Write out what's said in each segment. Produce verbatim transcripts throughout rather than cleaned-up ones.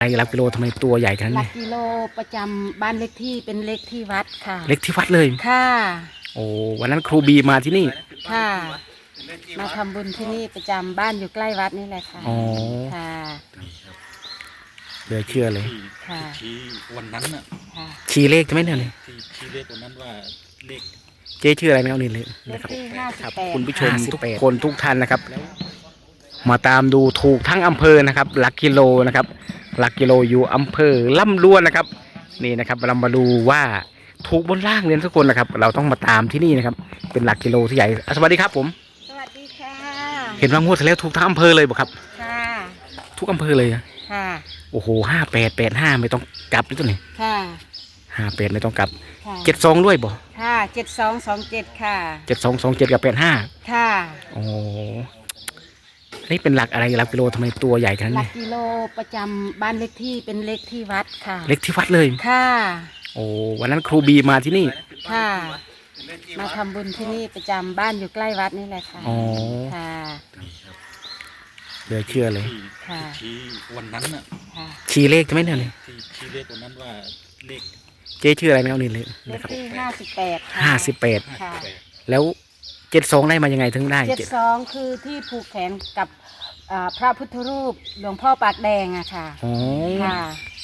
ไอ้หลักกิโลทำไมตัวใหญ่ขนาดหลันี้กกิโลประจำบ้านเลขที่เป็นเลขที่วัดค่ะเล็กที่วัดเลยค่ะโอ้วันนั้นครูบีมาที่นี่ค่ะ มาทำบุญที่นี่ประจำบ้านอยู่ใกล้วัดนี่แหละค่ะอ๋อค่ะเหลือเชื่อเลยค่ะที่วันนั้นน่ะค่ะชี้เลขใช่ไหมเนี่ยที่ที่เลขวันนั้นว่าเลขเจ๊ชื่ออะไรนะเอานี่เลยเลนะขครับที่ห้าสิครับบแปดคุณผู้ชมทุกคนทุกท่านนะครับ มาตามดูถูกทั้งอำเภอนะครับ หลักกิโลนะครับ หลักกิโลอยู่อำเภอล่ำล้วนนะครับ นี่นะครับเรามาดูว่าถูกบนล่างเรียนทุกคนนะครับ เราต้องมาตามที่นี่นะครับ เป็นหลักกิโลที่ใหญ่อ่ะสวัสดีครับผมสวัสดีค่ะเห็นว่างวดที่แล้วถูกทั้งอำเภอเลยบอกครับค่ะทุกอำเภอเลยอะค่ะโอ้โหห้าแปดแปดห้าไม่ต้องกลับเลยตัวนี้ค่ะห้าแปดไม่ต้องกลับค่ะเจ็ดสองด้วยบ่ค่ะเจ็ดสองสองเจ็ดค่ะเจ็ดสองสองเจ็ดกับแปดห้าค่ะโอ้นี่เป็นหลักอะไรหลักกิโลทำไมตัวใหญ่ขนาดหลันี้กกิโลประจำบ้านเลขที่เป็นเลขที่วัดค่ะเล็กที่วัดเลยค่ะโอ้วันนั้นครูบีมาที่นี่ค่ะ มาทำบุญที่นี่ประจำบ้านอยู่ใกล้วัดนี่แหละค่ะอ๋อค่ะเหลือเชื่อเลยที่ค่ะที่วันนั้นน่ะค่ะชี้เลขใช่ไหมเนี่ยที่ที่เลขวันนั้นว่าเลขเจ๊ชื่ออะไรนะเอานี่เลยเลนะขครับที่ห้าสิบแปดค่ะห้าสิบแปดห้าค่ะสิบแปดแล้วเจ็ดสองได้มายังไงถึงได้เจ็ดเจ็ดสองคือที่ผูกแขนกับอ่าพระพุทธรูปหลวงพ่อปากแดงอะค่ะอ๋อค่ะ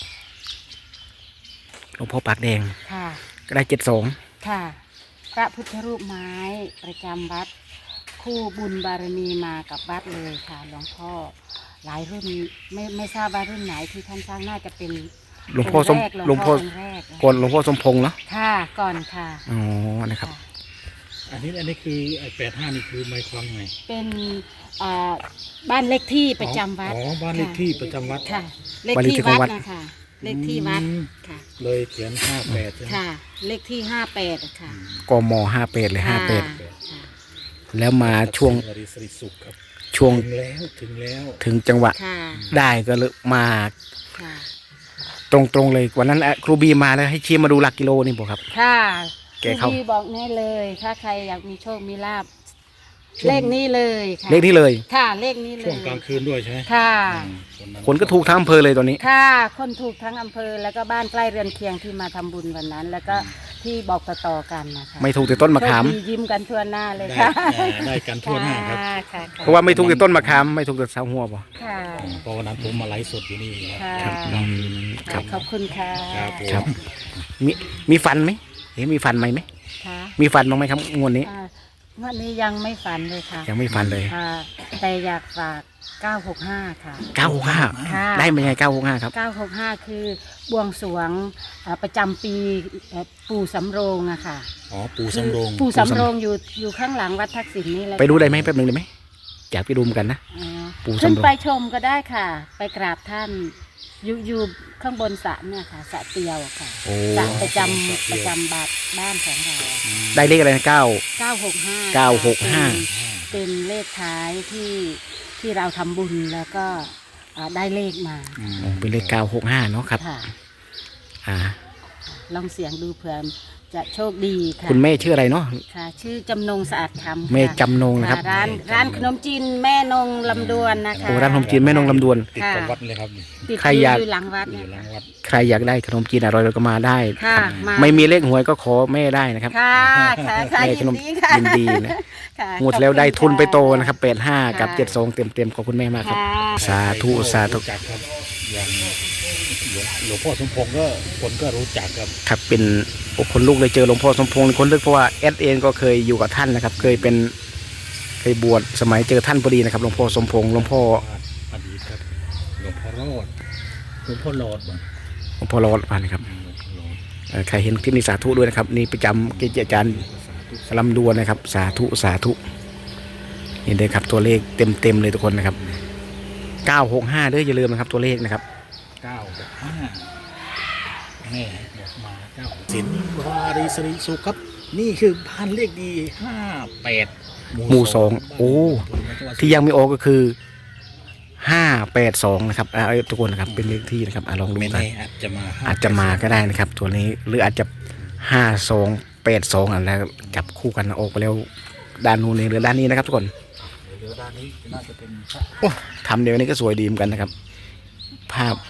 หลวงพ่อปากแดงค่ะก็ได้เจ็ดสองค่ะ พระพุทธรูปไม้ประจำวัด คู่บุญบารมีมากับวัดเลยค่ะหลวงพ่อหลายรุ่นไม่ไม่ทราบว่ารุ่นไหนที่ท่านสร้างน่าจะเป็นหลวงพ่อสมงค์แรกหลวงพ่อองค์แรกนะก่อนหลวงพ่อสมพงษ์เนาะค่ะก่อนค่ะอ๋อนะครับค่ะอันนี้อันนี้คือไอ้แปดห้านี่คือหมายความไงเป็นอ่าบ้านเลขที่ประจำวัดอ๋อบ้านเลขที่ประจำวัดค่ะ เลขบ้านเลขที่ที่ของวัวัดดนะคะเลขที่วัดอืมค่ะเลยเขียนห้าแปดใช่ไหมค่ะ เลขที่ห้าแปดค่ะกมห้าแปดเลยห้าแปดค่ะแล้วมาช่วงวริสริสุขครับช่วงถึงแล้วถึงแล้วถึงจังหวะค่ะได้ก็เลยมาค่ะตรงๆเลยวันนั้นอ่ะครูบีมาแล้วให้ชี้มาดูหลักกิโลนี่บอกครับค่ะแกเข้าพี่บอกแน่เลย ถ้าใครอยากมีโชคมีลาบเลขนี้เลยค่ะเลขนี้เลยค่ะ เลขนี้เลยช่วงกลางคืนด้วยใช่ไหมค่ะอืมวัคนก็ถูกทั้งอำเภอเลยตอนนี้ค่ะ คนถูกทั้งอำเภอแล้วก็บ้านใกล้เรือนเคียงที่มาทำบุญวันนั้น แล้วก็ที่บอกต่อๆกันนะคะไม่ถูกแต่ต้นมะขามโชคดียิ้มกันทั่วหน้าเลยได้ค่ะอ่าได้กันทั่วหน้าครับค่ะค่ะค่เพราะว่าไม่ถูกแต่ต้นมะขามไม่ถูกแต่เสาหัวบ่ค่ะเพราะวันนั้นผมมาไลฟ์สดอยู่นี่นะค่ะครับอืมครับขอบคุณค่ะครับผมครับ มีมีฟันไหมเห็นมีฟันไหมไหมค่ะมีฟันบ้างไหมครับงวดนี้อ่าวันนี้ยังไม่ฝันเลยค่ะยังไม่ฟันเลยค่ะ แต่อยากฝากเก้าหกห้าค่ะเก้าหกห้าค่ะได้มายังไงเก้าหกห้าครับเก้าหกห้าคือบวงสรวงอ่าประจำปีเอ่อปู่สำโรงอะค่ะอ๋อปูสำโรงปู่สำโรงอยู่อยู่ข้างหลังวัดทักษิณนี่แหละไปดูได้ไหมแป๊บหนึงได้ไหมอยากไปดูเหมือนกันนะอ๋อปู่สำโรงขึ้นไปชมก็ได้ค่ะ ไปกราบท่านอยู่อยู่ข้างบนสระเนี่ยค่ะสระเตียวอะค่ะโอ้สระประจำประจำบาทบ้านของเราได้เลขอะไรนะเก้าเก้าหกห้าเก้าหกห้าเป็นเลขท้ายที่ที่เราทำบุญแล้วก็อ่าได้เลขมาอืมโอ้เป็นเลขเก้าหกห้าเนาะครับค่ะอ่าลองเสียงดูเผื่อจะโชคดีค่ะคุณแม่ชื่ออะไรเนาะค่ะ ชื่อจำนงสะอาดคำค่ะแม่จำนงนะครับร้านร้านขนมจีนแม่นงลำดวนนะคะโอ้ร้านขนมจีนแม่นงลำดวนติดกับวัดเลยครับติดใครอยากอยู่หลังวัดอเนี่ยยู่หลังวัดใครอยากได้ขนมจีนอร่อยๆก็มาได้ค่ะครับมาไม่มีเลขหวยก็ขอแม่ได้นะครับค่ะค่ะค่ะแม่ยิขนนมดีค่ะยินดีนะค่ะหมดแล้วได้ทุนไปโตนะครับขแปดห้ากับค่ะเจ็ดสองเต็มเต็มๆขอบคุณแม่มากครับค่ะสาธุสาธุรู้จักครับอย่างหลวงหลวงพ่อสมพงษ์ก็คนก็รู้จักครับครับเป็นโอ้คนลูกเลยเจอหลวงพ่อสมพงษ์คนลึกเพราะว่าแอดเองก็เคยอยู่กับท่านนะครับ เคยเป็นเคยบวชสมัยเจอท่านพอดีนะครับหลวงพ่อสมพงษ์หลวงพ่ออดีตครับหลวงพ่อรอดหลวงพ่อรอดบ่หลวงพ่อรอดมานะครับหลวงพ่อรอดเอ่อใครเห็นคลิปนี้สาธุด้วยนะครับ นี่ประจำเกจิอาจารย์ลำดวนนะครับ สาธุสาธุนี่เลยครับตัวเลขเต็มเต็มๆเลยทุกคนนะครับเก้าหกห้าเด้ออย่าลืมนะครับตัวเลขนะครับเก้าหกห้าแม่บอกมาเก้าสินวารีสริสุขครับ นี่คือบ้านเลขดีห้าแปดหมู่สองโอ้ที่ยังไม่ออกก็คือห้าแปดสองนะครับอ่าทุกคนนะครับเป็นเลขที่นะครับอ่ะลองดูไม่กันแน่อาจจะมาอาจจะมาก็ได้นะครับ ตัวนี้หรืออาจจะห้าสองแปดสองอะไรจับคู่กันออกไปแล้วด้านนู้นนี่หรือด้านนี้นะครับ ทุกคนเดี๋ยวด้านนี้น่าจะเป็นโอ้ทำเดี๋ยวนี้ก็สวยดีเหมือนกันนะครับ ภาพ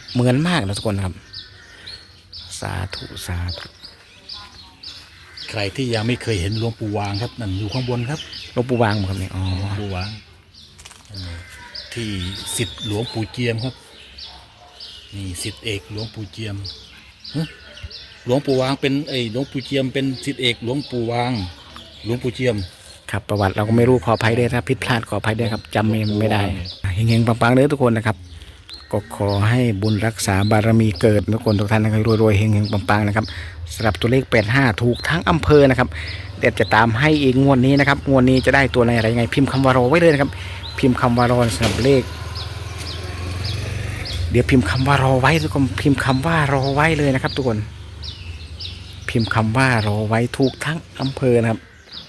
เหมือนมากนะทุกคนครับสาธุสาธุใครที่ยังไม่เคยเห็นหลวงปู่วางครับนั่นอยู่ข้างบนครับหลวงปู่วางมั้งครับเนี่ยอ๋อหลวงปู่วางเออที่สิทธิ์หลวงปู่เจียมครับนี่สิทธิ์เอกหลวงปู่เจียมฮะหลวงปู่วางเป็นไอ้หลวงปู่เจียมเป็นสิทธิ์เอกหลวงปู่วางหลวงปู่เจียมครับประวัติเราก็ไม่รู้ขออภัยด้วยถ้าผิดพลาดขออภัยด้วยครับจำไม่ไม่ได้เฮงๆปังๆเลยทุกคนนะครับก็ขอให้บุญรักษาบารมีเกิดทุกคนทุกท่านนะครับรวยๆเฮงๆปังๆนะครับสำหรับตัวเลขแปดห้าถูกทั้งอำเภอนะครับเดี๋ยวจะตามให้อีกงวดนี้นะครับงวดนี้จะได้ตัวไหนอะไรยังไงพิมพ์คำว่ารอไว้เลยนะครับพิมพ์คำว่ารอสำหรับเลขเดี๋ยวพิมพ์คำว่ารอไว้ทุกคนพิมพ์คำว่ารอไว้เลยนะครับ ทุกคนพิมพ์คำว่ารอไว้ถูกทั้งอำเภอนะครับ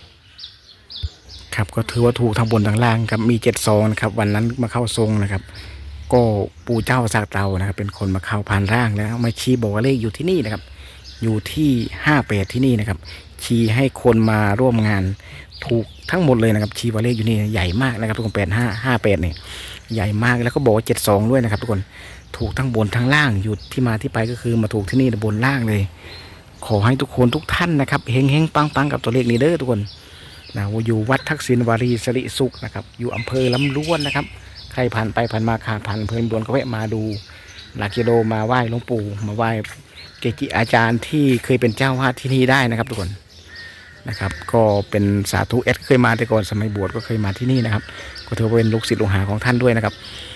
ครับก็ถือว่าถูกทั้งบนทั้งล่างครับมีเจ็ดซองนะครับวันนั้นมาเข้าทรงนะครับก็ปู่เจ้าสากเตานะครับเป็นคนมาเข้าผ่านร่างแล้วมาชี้บอกว่าเลขอยู่ที่นี่นะครับอยู่ที่ห้าแปดที่นี่นะครับชี้ให้คนมาร่วมงานถูกทั้งหมดเลยนะครับชี้ว่าเลขอยู่นี่ใหญ่มากนะครับทุกคนแปดห้าห้าแปดเนี่ยใหญ่มากแล้วก็บอกว่าเจ็ดสองด้วยนะครับทุกคนถูกทั้งบนทั้งล่างอยู่ที่มาที่ไปก็คือมาถูกที่นี่บนล่างเลยขอให้ทุกคนทุกท่านนะครับเฮงเฮงปังปังกับตัวเลขนี้เด้อทุกคนนะอยู่วัดทักษิณวารีสิริสุขนะครับอยู่อำเภอลำล้วนนะครับใครผ่านไปผ่านมาขาดผ่านอำเภอลำล้วนก็แวะมาดูหลักกิโลมาไหว้หลวงปู่มาไหว้เกจิอาจารย์ที่เคยเป็นเจ้าวาดที่นี่ได้นะครับทุกคนนะครับก็เป็นสาธุเอสเคยมาแต่ก่อนสมัยบวชก็เคยมาที่นี่นะครับก็ถือว่าเป็นลูกศิษย์ลูกหาของท่านด้วยนะครับ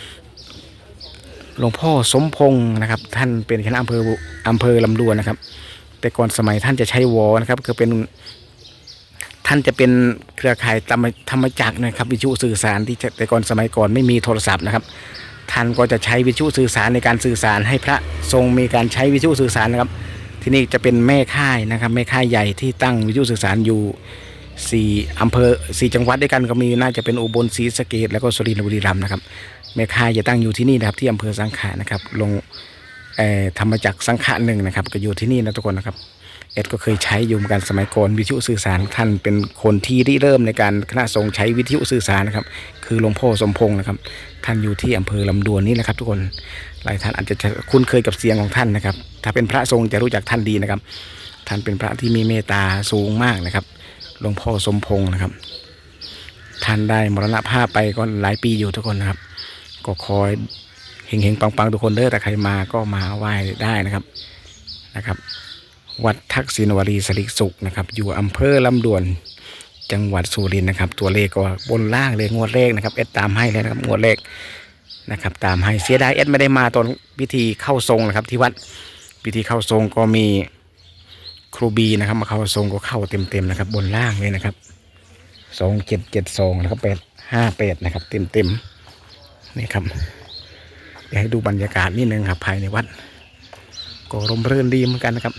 หลวงพ่อสมพงศ์นะครับท่านเป็นคณะอำเภออำเภอลำดวนนะครับแต่ก่อนสมัยท่านจะใช้วอนะครับคือเป็นท่านจะเป็นเครือข่ายธรรมจักรนะครับวิทยุสื่อสารที่แต่ก่อนสมัยก่อนไม่มีโทรศัพท์นะครับท่านก็จะใช้วิทยุสื่อสารในการสื่อสารให้พระทรงมีการใช้วิทยุสื่อสารนะครับที่นี่จะเป็นแม่ค่ายนะครับแม่ค่ายใหญ่ที่ตั้งวิทยุสื่อสารอยู่สี่อำเภอสี่จังหวัดด้วยกันก็มีน่าจะเป็นอุบลศรีสะเกษแล้วก็สุรินทร์บุรีรัมย์นะครับแม่ค่ายจะตั้งอยู่ที่นี่นะครับที่อำเภอสังขะนะครับลงธรรมจักรสังขะหนึ่งนะครับก็อยู่ที่นี่นะทุกคนนะครับเอ็ดก็เคยใช้อยู่เหมือนกันสมัยก่อนวิทยุสื่อสารท่านเป็นคนที่ริเริ่มในการคณะสงฆ์ใช้วิทยุสื่อสารนะครับคือหลวงพ่อสมพงศ์นะครับท่านอยู่ที่อำเภอลำดวนนี่แหละครับทุกคนหลายท่านอาจจะคุ้นเคยกับเสียงของท่านนะครับถ้าเป็นพระทรงจะรู้จักท่านดีนะครับท่านเป็นพระที่มีเมตตาสูงมากนะครับหลวงพ่อสมพงศ์นะครับท่านได้มรณภาพไปก็หลายปีอยู่ทุกคนนะครับก็คอยเฮงๆปังๆทุกคนเด้อแต่ใครมาก็มาไหว้ได้นะครับนะครับวัดทักษิณวารีสิริสุขนะครับอยู่อำเภอลำดวนจังหวัดสุรินทร์นะครับตัวเลขก็บนล่างเลยงวดเลขนะครับเอ็ดตามให้เลยนะครับงวดเลขนะครับตามให้เสียดายเอ็ดไม่ได้มาตอนพิธีเข้าทรงนะครับที่วัดพิธีเข้าทรงก็มีครูบีนะครับมาเข้าทรงก็เข้าเต็มๆนะครับบนล่างเลยนะครับสองเจ็ดเจ็ดสองนะครับแปดห้าแปดนะครับเต็มๆนี่ครับเดี๋ยวให้ดูบรรยากาศนิดนึงครับภายในวัดก็ร่มรื่นดีเหมือนกันนะครับ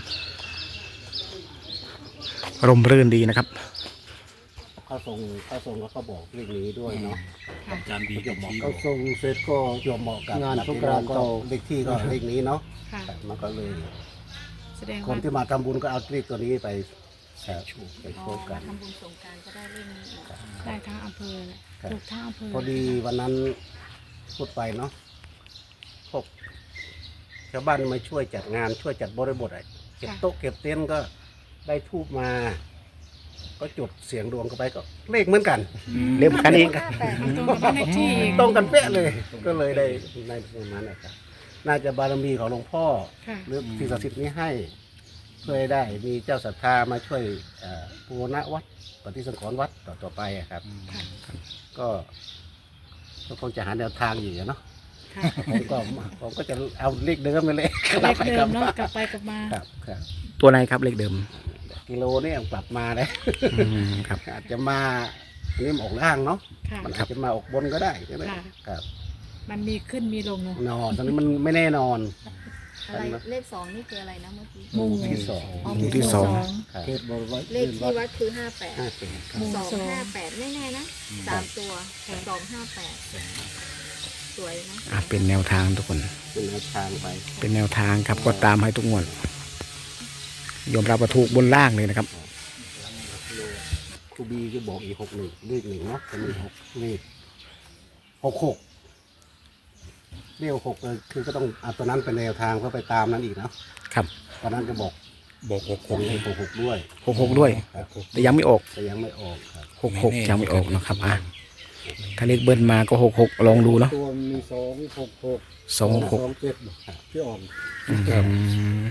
ร่มรื่นดีนะครับเขาส่งเขาส่งแล้วเขาบอกเรื่องนี้ด้วยเนาะอาจารย์ดีก็ชี้บเขาอกส่งเสร็จก็ยอมเหมาะกับงานสงกรานต์ก็เลขที่ก็เลขนี้เนาะค่ะมันก็เลยแสดงคนว่าที่มาทำบุญก็เอาเลขตัวนี้ไปแชร์ไปอ๋โชอว์กัมาน ทำบุญสงกรานต์ก็ได้เรื่องนี้อีกได้ทั้งอำเภอเลยถูกทั้งอำเภอพอดีวันนั้นพูดไปเนาะพวกชาวบ้านมาช่วยจัดงานช่วยจัดบริบทอะไรเก็บโต๊ะเก็บเต็นท์ก็ได้ทูบมา ก็จุดเสียงดวงเข้าไปก็เลขเหมือนกันเรียกกันอีกแต่ตรงกับบ้านเลขที่อีกตรงกันเป๊ะเลย ก็เลยได้ในประมาณนั้นครับน่าจะบารมีของหลวงพ่อค่ะหรือสิ่งศักดิ์สิทธิ์นี้ให้เพื่อให้ได้มีเจ้าศรัทธามาช่วยเอ่อบูรณะวัดปฏิสังขรณ์วัดต่อต่อไปอะครับค่ะก็ก็คงจะหาแนวทางอยู่อะเนาะค่ะผมก็ผมก็จะเอาเลขเดิมไปเลยเลขเดิมเนาะกลับไปกลับมาครับครับตัวไหนครับเลขเดิมกิโลเนี่ยกลับมาเลยอืมครับอาจจะมาอันนี้มันออกล่างเนาะค่ะมันอาจจะมาออกบนก็ได้ใช่ไหมค่ะครับมันมีขึ้นมีลงเนาะนอนตอนนี้มันไม่แน่นอนอะไรเลขสองนี่คืออะไรนะเมื่อกี้หมู่ที่สองอ๋อหมู่ที่สองครับเลขที่วัดคือห้าแปดห้าสิบครับหมู่สองสองห้าแปดไม่แน่นะสามตัวสองห้าแปดสวยนะอ่ะเป็นแนวทางทุกคนเป็นแนวทางไปเป็นแนวทางครับก็ตามให้ทุกงวดยอมรับว่าถูกบนล่างเลยนะครับครูบีก็บอกอีกหกหนึ่งเลขหนึ่งเนาะจะมีหกเลขหกหกเลเรียกหกเลยคือก็ต้องเอาตัวนั้นเป็นแนวทางเพื่อไปตามนั้นอีกเนาะครับตอนนั้นก็บอกบอกหกผหมกให้หกหกด้วยหกหกด้วยครับแต่ยังไม่ออกแต่ยังไม่ออกครับหกหกยังไม่ออกนะครับอ่ะถ้าเลขเบิ้ลมาก็หกหกลองดูเนาะตัวมีสองหกหกสองหกสองเจ็ดที่ออกอืม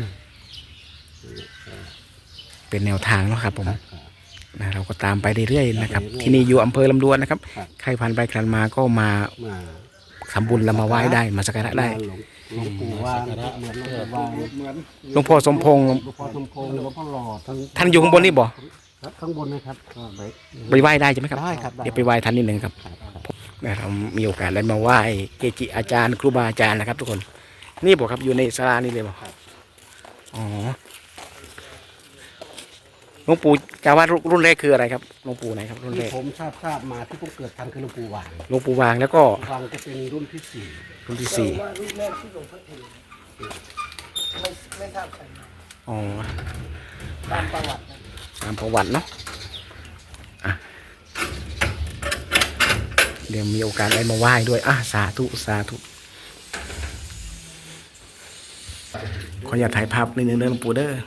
เป็นแนวทางเนาะครับผมครับนะเราก็ตามไปเรื่อยๆนะครับไปเรื่อยๆที่นี่อยู่อำเภอลำดวนนะครับครับใครผ่านไปผ่านมาก็มามาทำบุญแล้วมาไหว้ได้มาสักการะได้หลวงหลวงปู่ว่างเหมือนหลวงปู่ว่างเหมือนหลวงพ่อสมพงษ์หลวงพ่อสมพงษ์หลวงพ่อหลอดทั้งท่านอยู่ข้างบนนี่บ่ครับข้างบนนะครับก็ไปไปไหว้ได้ใช่ไหมครับได้ครับได้เดี๋ยวไปไหว้ท่านนิดหนึ่งครับครับครับนะเรามีโอกาสได้มาไหว้เกจิอาจารย์ครูบาอาจารย์นะครับ ทุกคน นี่บอกครับอยู่ในศาลานี่เลยบอกอ๋อหลวงปู่กล่าวว่ารุ่นแรกคืออะไรครับหลวงปู่ไหนครับรุ่นแรที่กผมทราบทราบมาที่ผมเกิดทันคือหลวงปู่หวางหลวงปู่วางแล้วก็วางจะเป็นรุ่นที่สี่รุ่นที่สี่ว่ารุ่นแรกที่หลวงพ่อเองไม่ไม่ทราบใครอ๋อตามประวัตินะตามประวัติเนาะอ่ะเดี๋ยวมีโอกาสได้มาไหว้ด้วยอ่ะสาธุสาธุขออย่าตถ่ายภาพนิดนึงเด้อหลวงปู่เด้อ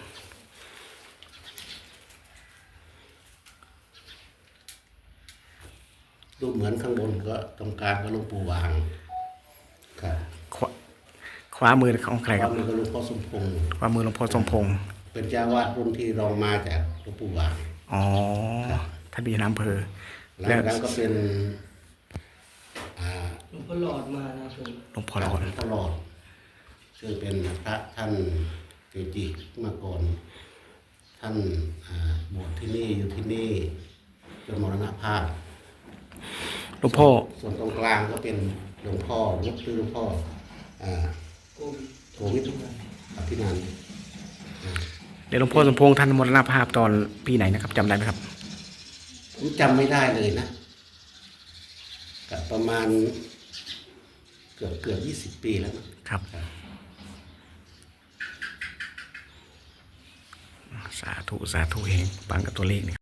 รูปเหมือนข้างบนก็ตรงกลางก็หลวงปู่หวางครับขวาขวามือของใครครับแล้วก็หลวงพ่อสมพงษ์ขวามือหลวงพ่อสมพงษ์เป็นเจ้าวาดรุ่นที่รองมาจากหลวงปู่หวางอ๋อท่านเป็นอำเภอหลังแล้วจากนั้นก็เป็นอ่าหลวงพ่อหลอดมานะผมหลวงพ่อหลอดหลวงพ่อหลอดซึ่งเป็นพระท่านเกจิมาก่อน ท่านอ่าบวชที่นี่อยู่ที่นี่จนมรณภาพหลวงพ่อส่วนตรงกลางก็เป็นหลวงพ่อวัดคือหลวงพ่ออ่าโควิดอภินันท์เดี๋ยวหลวงพ่อสมพงษ์ท่านมรณภาพตอนปีไหนนะครับจำได้ไหมครับผมจำไม่ได้เลยนะกับประมาณ เกือบเกือบยี่สิบปีแล้วนะครับสาธุสาธุเองปังกับตัวเลขนี่